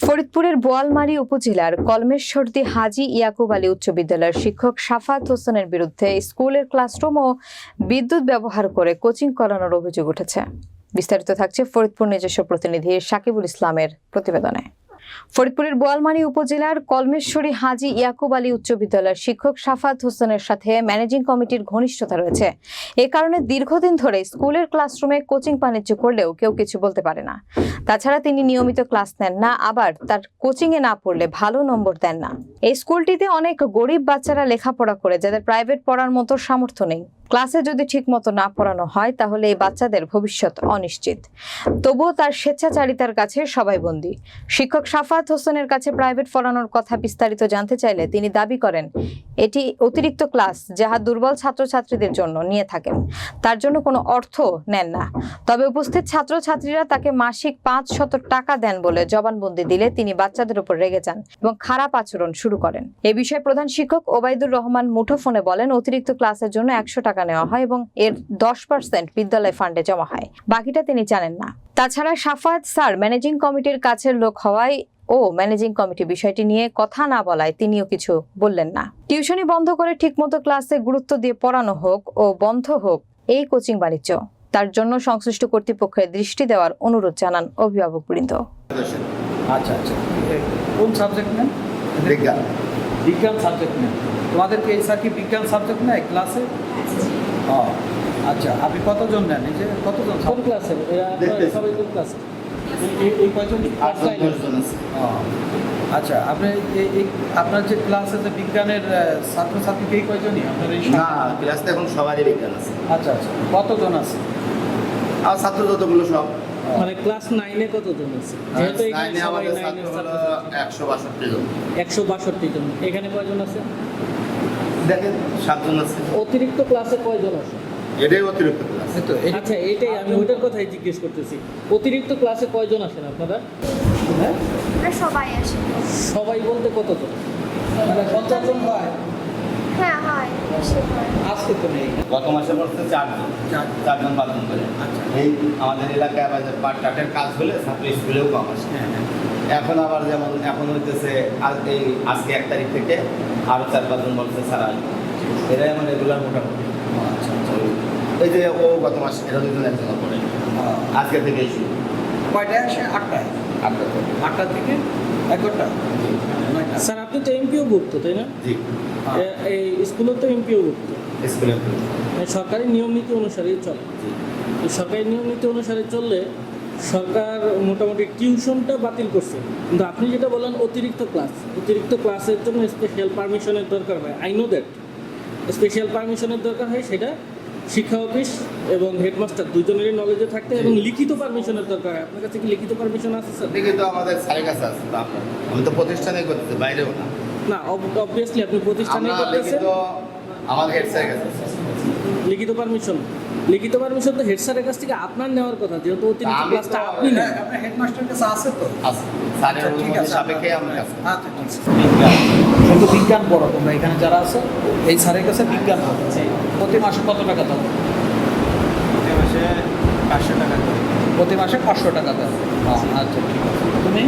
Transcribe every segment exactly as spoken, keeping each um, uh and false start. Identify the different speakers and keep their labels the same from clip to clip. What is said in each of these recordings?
Speaker 1: ফরিদপুরের বোয়ালমারী উপজেলার কলমেশ্বরদী হাজী ইয়াকুব আলী উচ্চ বিদ্যালয়ের শিক্ষক সাফাত হোসেনের বিরুদ্ধে স্কুলের ক্লাসরুম ও বিদ্যুৎ ব্যবহার করে কোচিং করানোর অভিযোগ উঠেছে। বিস্তারিত থাকছে ফরিদপুর নিজস্ব প্রতিনিধি সাকিবুল ইসলামের প্রতিবেদনে। ফরিদপুরের বোয়ালমারী উপজেলার কলমেশ্বরী হাজী ইয়াকুব আলী উচ্চ বিদ্যালয়ের শিক্ষক সাফাত হোসেনের সাথে ম্যানেজিং কমিটির ঘনিষ্ঠতা রয়েছে। এ কারণে দীর্ঘদিন ধরে স্কুলের ক্লাসরুমে কোচিং বাণিজ্য করলেও কেউ কিছু বলতে পারে না। তাছাড়া তিনি নিয়মিত ক্লাস নেন না, আবার তার কোচিংয়ে না পড়লে ভালো নম্বর দেন না। এই স্কুলটিতে অনেক গরিব বাচ্চারা লেখাপড়া করে, যাদের প্রাইভেট পড়ার মতো সামর্থ্য নেই। ক্লাসে যদি ঠিকমতো না পড়ানো হয় তাহলে এই বাচ্চাদের ভবিষ্যৎ অনিশ্চিত। তবুও তার স্বেচ্ছাচারিতার কাছে সবাই বন্দী। শিক্ষক সাফাত হোসেনের কাছে প্রাইভেট পড়ানোর কথা বিস্তারিত জানতে চাইলে তিনি দাবি করেন এটি অতিরিক্ত ক্লাস, যাহা দুর্বল ছাত্রছাত্রীদের জন্য নিয়ে থাকেন। তার জন্য কোনো অর্থ নেন না। তবে উপস্থিত ছাত্রছাত্রীরা তাকে মাসিক পাঁচ শত টাকা দেন বলে জবানবন্দি দিলে তিনি বাচ্চাদের উপর রেগে যান এবং খারাপ আচরণ শুরু করেন। এ বিষয়ে প্রধান শিক্ষক ওবায়দুর রহমান মুঠোফোনে বলেন, অতিরিক্ত ক্লাসের জন্য একশো টাকা নেওয়া হয় এবং এর দশ পার্সেন্ট বিদ্যালয় ফান্ডে জমা হয়, বাকিটা তিনি জানেন না। তাছাড়া সাফাত স্যার ম্যানেজিং কমিটির কাছের লোক হওয়ায় ও ম্যানেজিং কমিটি বিষয়টি নিয়ে কথা না বলায় তিনিও কিছু বললেন না। টিউশনি বন্ধ করে ঠিকমতো ক্লাসে গুরুত্ব দিয়ে পড়ানো হোক ও বন্ধ হোক এই কোচিং বাণিজ্য, তার জন্য সংশ্লিষ্ট কর্তৃপক্ষের দৃষ্টি দেওয়ার অনুরোধ জানান অভিভাবকবৃন্দ।
Speaker 2: আচ্ছা আচ্ছা কোন সাবজেক্ট নেন? বিজ্ঞান। বিজ্ঞান সাবজেক্ট নেন। তোমাদেরকে এই স্যার কি বিজ্ঞান সাবজেক্ট নেয় ক্লাসে? ও আচ্ছা, আপনি কতজন নেন? এই যে কতজন
Speaker 3: কোন ক্লাসে? সবাই কোন ক্লাসে?
Speaker 2: এই কয়জন? ও আচ্ছা, আপনি এই আপনার যে ক্লাস আছে বিজ্ঞানের ছাত্রছাত্রী এই কয়জনই আপনার? এই
Speaker 4: না, ক্লাসে এখন সবারই বিজ্ঞান আছে।
Speaker 2: আচ্ছা আচ্ছা, কতজন আছে?
Speaker 4: আর ছাত্র যতগুলো সব
Speaker 3: মানে ক্লাস নাইনে কতজন আছে?
Speaker 4: যেহেতু এখানে আমাদের ছাত্র হলো একশো বাষট্টি জন।
Speaker 3: একশো বাষট্টি জন। এখানে কয়জন আছে?
Speaker 4: দেখেন সাতজন আছে।
Speaker 3: অতিরিক্ত ক্লাসে কয়জন আছে?
Speaker 4: এটাই অতিরিক্ত ক্লাস।
Speaker 3: আচ্ছা, এটাই আমি ওইটার কথাই জিজ্ঞেস করতেছি। অতিরিক্ত ক্লাসে কয়জন আসেন আপনারা?
Speaker 2: হ্যাঁ,
Speaker 5: সবাই আসে।
Speaker 3: সবাই বলতে কতজন?
Speaker 2: মানে পঞ্চাশ জন হয়?
Speaker 5: হ্যাঁ হয়, বেশি হয়।
Speaker 2: আজকে তো নেই।
Speaker 4: গত মাসে পড়ছে চারজন, চারজন পাঁচজন করে।
Speaker 2: আচ্ছা,
Speaker 4: এই আমাদের এলাকায় আবার যে পাট কাঠের কাজ হলে ছাত্র স্কুলেও কম আসে।
Speaker 2: হ্যাঁ হ্যাঁ।
Speaker 4: এখন আবার যেমন এখন হইতেছে আজ এই আজকে এক তারিখ থেকে আরও চার পাঁচজন বলছে স্যার আসবে। এরাই আমার রেগুলার মোটামুটি।
Speaker 2: আচ্ছা আচ্ছা।
Speaker 4: এই যে ও গত মাসে এরা দুজন একজন পড়ে, আজকে থেকে শুরু।
Speaker 2: কয়টায় আসে? আটটায়।
Speaker 4: আটটা থেকে
Speaker 2: আটটা থেকে এগারোটা।
Speaker 3: স্যার, আপনি তো এমপিও ভুক্ত, তাই না?
Speaker 4: জি।
Speaker 3: এ- এই স্কুলে তো এমপিও ভুক্ত।
Speaker 4: স্কুলে
Speaker 3: মানে সরকারি নিয়ম নীতি অনুসারেই চলে।
Speaker 4: জি।
Speaker 3: তো সরকারি নিয়ম নীতি অনুসারে চললে সরকার মোটামুটি টিউশনটা বাতিল করছে, কিন্তু আপনি যেটা বললেন অতিরিক্ত ক্লাস, অতিরিক্ত ক্লাসের জন্য স্পেশাল পারমিশনের দরকার হয়। আই নো দ্যাট স্পেশাল পারমিশনের দরকার হয়, সেটা শিক্ষা অফিস এবং হেডমাস্টার দুজনেরই নলেজে থাকতে এবং লিখিত পারমিশনের দরকার হয়। আপনার কাছে কি লিখিত পারমিশন আছে স্যার?
Speaker 4: দেখি তো আমাদের স্যারের কাছে আছে তো আপনার। আমি তো প্রতিষ্ঠানে করতেছি, বাইরেও না।
Speaker 3: না, অবভিয়াসলি আপনি প্রতিষ্ঠানে
Speaker 4: আমরা
Speaker 3: করতেছেন।
Speaker 4: লিখিত আমাদের হেড স্যারের কাছে আছে।
Speaker 3: লিখিত পারমিশন লিখিত পারমিশন তো হেড স্যারের কাছ থেকে আপনার নেওয়ার কথা, যেহেতু অতিরিক্ত
Speaker 4: আমি
Speaker 3: ক্লাসটা
Speaker 4: তো-
Speaker 3: আপনি নেন।
Speaker 2: আপনার হেডমাস্টার কাছে আছে তো?
Speaker 4: আছে। স্যারের
Speaker 2: আচ্ছা, ঠিক
Speaker 4: অনুমতি
Speaker 2: আছে,
Speaker 4: সাপেক্ষে আমার কাছে।
Speaker 2: আচ্ছা ঠিক আছে। শুধু বিজ্ঞান পড়ো তোমরা এখানে যারা আছে, এই স্যারের কাছে বিজ্ঞান পড়ো। প্রতি মাসে কত টাকা দাও?
Speaker 6: প্রতি মাসে পাঁচশো টাকা করে।
Speaker 2: প্রতি মাসে পাঁচশো টাকা দাও। আচ্ছা ঠিক আছে। তুমি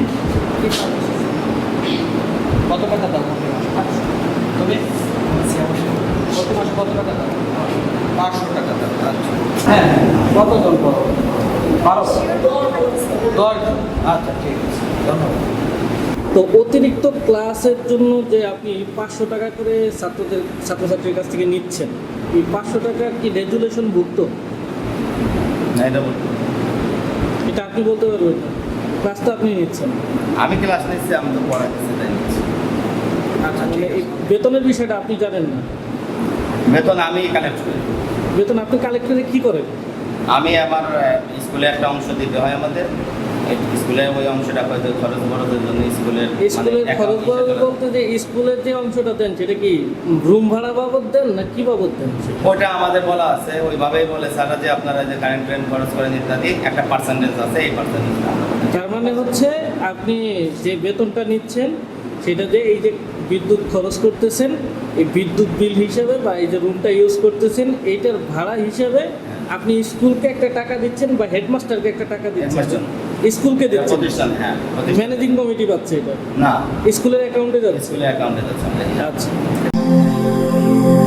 Speaker 2: কত টাকা দাও প্রতি মাসে? তুমি প্রতি মাসে কত টাকা দাও? পাঁচশো টাকা দাও। আচ্ছা হ্যাঁ, কতজন পড়ো? বারো দশ জন। আচ্ছা ঠিক আছে, ধন্যবাদ।
Speaker 3: তো অতিরিক্ত ক্লাসের জন্য যে আপনি পাঁচশো টাকা করে ছাত্রদের ছাত্রছাত্রীর কাছ থেকে নিচ্ছেন, এই পাঁচশো টাকা কি রেজুলেশন ভুক্ত?
Speaker 4: না, এটা বলতে
Speaker 3: এটা আপনি বলতে পারবেন না। ক্লাস তো আপনি নিচ্ছেন।
Speaker 4: আমি ক্লাস নিচ্ছি, আমি তো পড়াচ্ছি, তাই নিচ্ছি।
Speaker 2: আচ্ছা
Speaker 3: মানে
Speaker 2: ঠিক
Speaker 3: এই
Speaker 2: আছে।
Speaker 3: বেতনের বিষয়টা আপনি জানেন না।
Speaker 4: বেতন আমি কালেক্ট করি।
Speaker 3: বেতন আপনি কালেক্টরে কি করেন?
Speaker 4: আমি আমার আহ, স্কুলে একটা অংশ দিতে হয় আমাদের। এই স্কুলের ওই অংশটা হয়তো খরচ বরচের জন্য স্কুলের মানে
Speaker 3: স্কুলের খরচ বাবদ বলতে যে স্কুলের যে অংশটা দেন সেটা কি রুম ভাড়া বাবদ দেন না কি বাবদ দেন?
Speaker 4: ওটা আমাদের বলা আছে, ওইভাবেই বলে স্যারা যে আপনারা যে কারেন্ট ট্রেন খরচ করেন ইত্যাদি একটা পার্সেন্টেজ আছে, এই পার্সেন্টেজটা
Speaker 3: তার মানে হচ্ছে আপনি যে বেতনটা নিচ্ছেন সেটা যে এই যে বিদ্যুৎ খরচ করতেছেন, এই বিদ্যুৎ বিল হিসেবে বা এই যে রুমটা ইউজ করতেছেন এইটার ভাড়া হিসেবে আপনি স্কুলকে একটা টাকা দিচ্ছেন বা হেডমাস্টারকে একটা টাকা দিচ্ছেন।
Speaker 4: হেডমাস্টার
Speaker 3: স্কুলকে
Speaker 4: এটা
Speaker 3: দিচ্ছে
Speaker 4: প্রতিষ্ঠান, হ্যাঁ প্রতিষ্ঠান।
Speaker 3: ম্যানেজিং কমিটি পাচ্ছে এটা
Speaker 4: না,
Speaker 3: স্কুলের অ্যাকাউন্টে যাচ্ছে
Speaker 4: স্কুলে অ্যাকাউন্টে যাচ্ছে আমরা।
Speaker 3: আচ্ছা